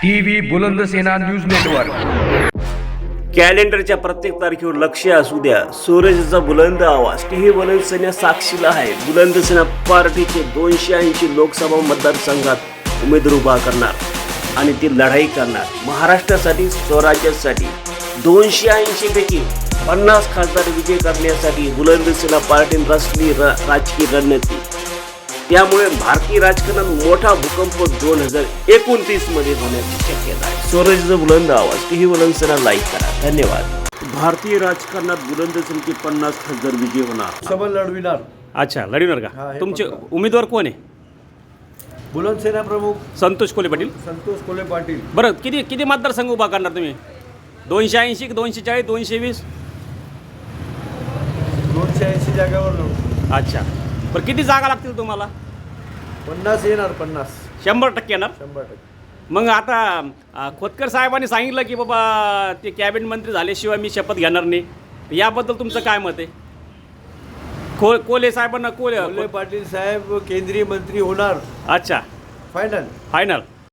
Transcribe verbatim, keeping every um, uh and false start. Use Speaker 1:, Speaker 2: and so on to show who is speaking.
Speaker 1: TV Bulandsena news network.
Speaker 2: कॅलेंडरच्या प्रत्येक तारखेवर लक्ष असू द्या. सूरजचा बुलंद आवाज टीव्ही बुलंदसेना साक्षीला आहे. बुलंदसेना पार्टीचे दोनशे ऐंशी लोकसभा मतदारसंघात उमेदवार उभा करणार आणि ती लढाई करणार महाराष्ट्रासाठी, स्वराज्यासाठी. दोनशे ऐंशी पैकी पन्नास खासदार विजय करण्यासाठी बुलंदसेना पार्टीने रचली र राजकीय रणनीती. त्यामुळे भारतीय राजकारणात मोठा भूकंप दोन हजार एकोणतीस मध्ये होण्याची शक्यता आहे. स्वराज्याचा बुलंद आवाज टीव्ही बुलंदसेना लाईक करा. धन्यवाद. भारतीय राजकारणात बुलंदसेनेचे पन्नास खासदार विजय होणार.
Speaker 3: सभा लढविणार.
Speaker 4: अच्छा, लढवणार
Speaker 3: हा,
Speaker 4: का?
Speaker 3: हे
Speaker 4: तुमचे
Speaker 3: पक्का.
Speaker 4: उमेदवार कोण आहे?
Speaker 3: बुलंदसेना प्रमुख
Speaker 4: संतोष कोले पाटील.
Speaker 3: संतोष कोले पाटील.
Speaker 4: बरं, किती किती मतदारसंघ उभा करणार तुम्ही? दोनशे ऐंशी की दोनशे चाळीस, दोनशे वीस?
Speaker 3: दोनशे ऐंशी जागावर लढू.
Speaker 4: अच्छा, बरं किती जागा लागतील तुम्हाला?
Speaker 3: पन्नास येणार. पन्नास
Speaker 4: शंभर टक्के येणार.
Speaker 3: शंभर टक्के.
Speaker 4: मग आता अ, खोतकर साहेबांनी सांगितलं की बाबा ते कॅबिनेट मंत्री झाल्याशिवाय मी शपथ घेणार नाही. याबद्दल तुमचं काय मत आहे? खो कोले साहेबांना कोले
Speaker 3: कोले पाटील साहेब केंद्रीय मंत्री होणार.
Speaker 4: अच्छा,
Speaker 3: फायनल.
Speaker 4: फायनल.